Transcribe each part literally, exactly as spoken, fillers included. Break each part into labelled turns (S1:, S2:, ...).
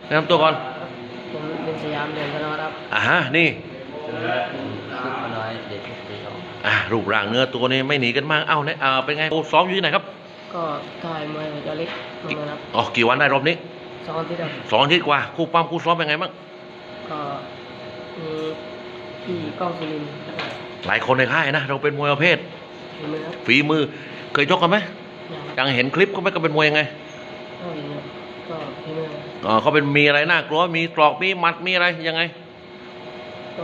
S1: แนะนำตัวก่อน
S2: ผมเป็นสยามเดือนธนวัฒน์ครับ
S1: อ่าฮะนี่
S2: ลูกน้อยเด็กที่สอง
S1: อ่ารูปร่างเนื้อตัวนี้ไม่หนีกันมากเอ้าเนี่ยอ่าเป็นไงโอ้ซ้อมอยู่ที่ไหนครับ
S2: ก็ถ่ายมวยหัวใจเล็กมาเลยครับ
S1: อ๋อกี่วันได้รอบนี้
S2: สองอาทิตย์ครับ
S1: สองอาทิตย์กว่าคู่ปั้มคู่ซ้อมเป็นไงบ้าง
S2: ก็มีพี่ก้องสุรินทร์
S1: หลายคนในค่ายนะเราเป็นมวยประเภท
S2: ฝีมือครับ
S1: ฝีมือเคยชกกันไหม
S2: ยัง
S1: ยังเห็นคลิปเขาไหมก็เป็นมวยยังไง
S2: ก็เห็นครับก็ฝีมือ
S1: อ๋อเขาเป็นมีอะไรน่ากลัวมีตรอกมีหมัดมีอะไรยังไง
S2: ก็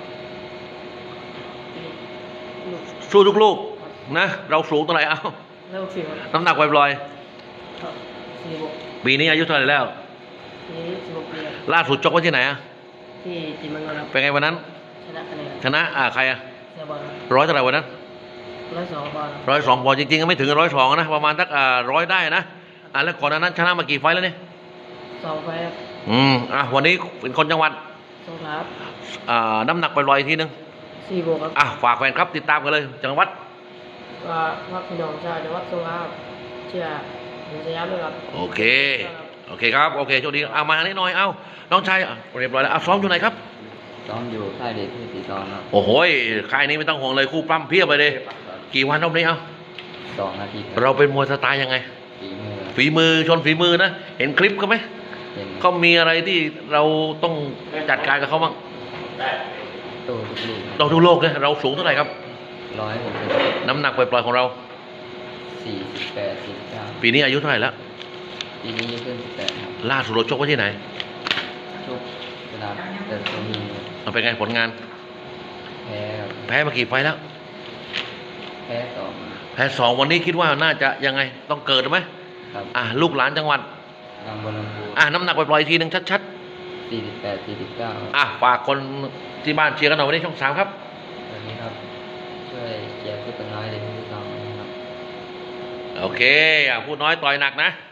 S1: สู้ทุกลูกนะเราสูงเท่าไหร่เอ้า
S2: แล้วสิบ
S1: น้ำหนักปล่อย
S2: สี่บก
S1: ๆปีนี้อายุเท่าไหร่แล้ว
S2: ปีนี้สิบหกปี
S1: ล่าสุดชกไว้ที่ไหนอะ
S2: ที่จิมมังกรครับ
S1: เป็นไงวันนั้น
S2: ชนะคะแนน
S1: ชนะอ่าใครอะ
S2: เสียบอล
S1: ร้อยเท่าไหร่วันนั้น
S2: ร้อยสองบอล
S1: ร้อยสองบอลจริงๆก็ไม่ถึงร้อยสองนะประมาณสักอ่าร้อยได้นะอ่าแล้วก่อนหน้านั้นชนะมากี่ไฟล์แล้วเนี่ย
S2: สองไฟครับ
S1: อืมอ่ะวันนี้เป็นคนจังหวัด
S2: สงขลา
S1: อ่าน้ำหนักปล่อยๆทีนึง
S2: สี่บวกครับ
S1: อ่ะฝากแฟนครับติดตามกันเลยจังหวัด
S2: ว่าว่าพี่น้องชาวจังหวัดสงขลาเชื่อเป็นสยามด้วยครับ
S1: โอเคโอเคครับโอเคโชคดีเอามาทางนี้หน่อยเอาน้องชายเรียบร้อยแล้วเอาซ้อมอยู่ไหนครับ
S2: ซ้อมอยู่ค่ายเด็กที่ตีตอนครับ
S1: โอ้โหค่ายนี้ไม่ต้องห่วงเลยคู่ปล้ำเพียบไปเลยกี่วันรอบนี้เอา
S2: สองนาที
S1: เราเป็นมวยสไตล์ยังไง
S2: ฝีมือ
S1: ฝีมือชนฝีมือนะเห็นคลิปเขาไหมเขามีอะไรที่เราต้องจัดการกับเขาบ้าง
S2: โตทุกลูก
S1: เราทุกโลกเลยเราสูงเท่าไหร่ครับ
S2: ร้อยหกสิบ
S1: น้ำหนักปล่อยๆของเรา
S2: สี่สิบแปดสิบเก้า
S1: ปีนี้อายุเท่าไหร่แล้ว
S2: ปีนี้ขึ้นสิบแปด
S1: ล่าสุดเราชกไว้ที่ไหน
S2: ชกกระดาษแต่ตัวนี้
S1: เราเป็นไงผลงาน
S2: แพ้
S1: แพ้มากี่ไฟแล้ว
S2: แพ้สอง
S1: แพ้สองวันนี้คิดว่าน่าจะยังไงต้องเกิดไหม
S2: ครับ
S1: อ่ะลูกหลานจังหวัด
S2: บางบัวลำพู
S1: อ่ะน้ำหนักปล่อยๆทีหนึ่งชัด
S2: ๆสี่สิบแปดสี่สิบเก้า
S1: อ่ะฝากคนที่บ้านเชียร์กันหน่อยวันนี้ช่องสามครับ
S2: วันนี้ครับช่วยเชียร์ผู้ตัวน้อยเลยที่สองนะครับ
S1: โอเคอ่ะผู้น้อยต่อยหนักนะ